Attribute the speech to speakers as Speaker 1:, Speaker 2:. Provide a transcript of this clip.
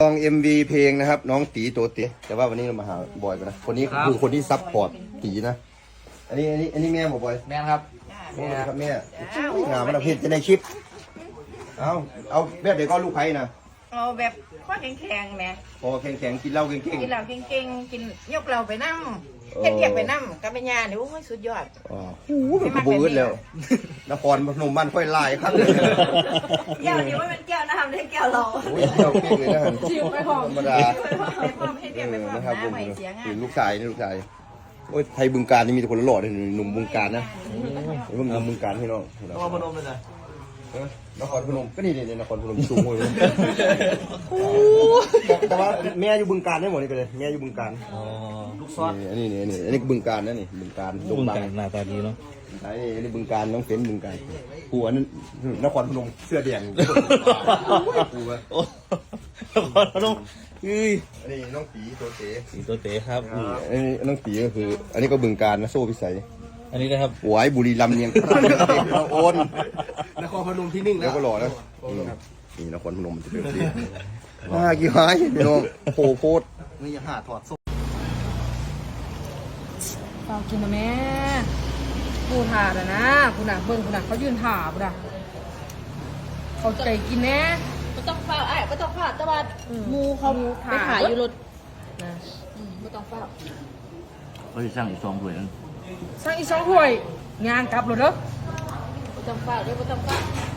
Speaker 1: MV เพลงนะครับน้องตีโตเตะแต่ว่าวันนี้เรามาหาบอยกันนะคนนี้คือคนที่ซัพพอร์ตตีนะอันนี้แม่บอกบอย
Speaker 2: แม่ครับ
Speaker 1: โอ้ครับแม่งามมันเพจจะในคลิปเอาแบบเดี๋ยวก็ลูกไผ่นะ
Speaker 3: เอาแบบข้อแข็งๆแม่
Speaker 1: พอแข็งๆกินเหล้าเก่ง
Speaker 3: กินเหล้าเก่งๆกินยกเราไปนั่งเฮ็ดเรียกไปนั่งกับแม่ย่านี่โอ้ยสุดยอด
Speaker 1: ๆอ๋อเป็นกระบือแล้วนครพนมบ้านค่อยไล่ครับ
Speaker 3: แก้วนี้ว่ามันแก้วน้ำได้แก้วเรา
Speaker 1: โอ้ยเจ้าเก่งเลยนะ
Speaker 3: ชิวไปพร้อม
Speaker 1: ธรรมดา
Speaker 3: ไปพร้อมให้เรียกไปพร้อม
Speaker 1: นะครับ
Speaker 3: นะ
Speaker 1: ผม
Speaker 3: ใหม่เสียงอ่ะ
Speaker 1: ลูกชายนี่ลูกชายโอ้ยไทยบึงการนี่มีแต่คนหล่อๆเลยหนุ่มบึงการนะหนุ่มบึงการพี่น้อง
Speaker 2: นครพนมเลยนะ
Speaker 1: นครพนมก็นี่นครพนมสูงเลยแต่ว่าแม่อยู่บึงการได้หมดนี่ไปเลยแม่อยู่บึงการ
Speaker 2: ลูกซอส
Speaker 1: อันนี้บึงการนะนี่บึงการ
Speaker 4: บึงการหน้าตาดีเนาะ
Speaker 1: อันนี้บึงการน้องเฟ้นบึงการหัวนั้นนครพนมเสื้อแดงหัวน
Speaker 4: ครพนมเฮ้ย
Speaker 1: อันนี้น้องตีตัวเต๋
Speaker 4: สีตัวเต๋ครับ
Speaker 1: อันนี้น้องตีก็คือ อันนี้ก็บึงการนะโซ่พิสัย
Speaker 4: อันนี้นะครับ
Speaker 1: หวายบุรีรัมย์เนียงโอน
Speaker 2: นครพนมที่นิ่ง
Speaker 1: แล้
Speaker 2: แล้ว ว
Speaker 1: ก็หล่อนะนี่นครพนมมันจะเป็นแบบนี้กี่หายพี่น้องโผล่โพด
Speaker 2: นี่อย่าหาถอดส้ม
Speaker 5: เปล่ากินนะแม่กูถาดอะนะกูน่ะเบิ่งกูน่ะเขายืนถากูน่ะเขาใจกินแน่
Speaker 3: ไม่ต้องเฝ้าไอ้ไม่ต้องเฝ้าแต่ว่ามูเขาไปขายอยู่รถ
Speaker 5: นะ
Speaker 3: ไม่ต้องเฝ้า
Speaker 4: เขาจะสร้างอีก2 ถ้วยนั่น
Speaker 5: สั่งอีก2 ถ้วยงานกลับรถเด้อ
Speaker 3: ไม่ต้องเฝ้าเดี๋ยวไม่ต้องเฝ้า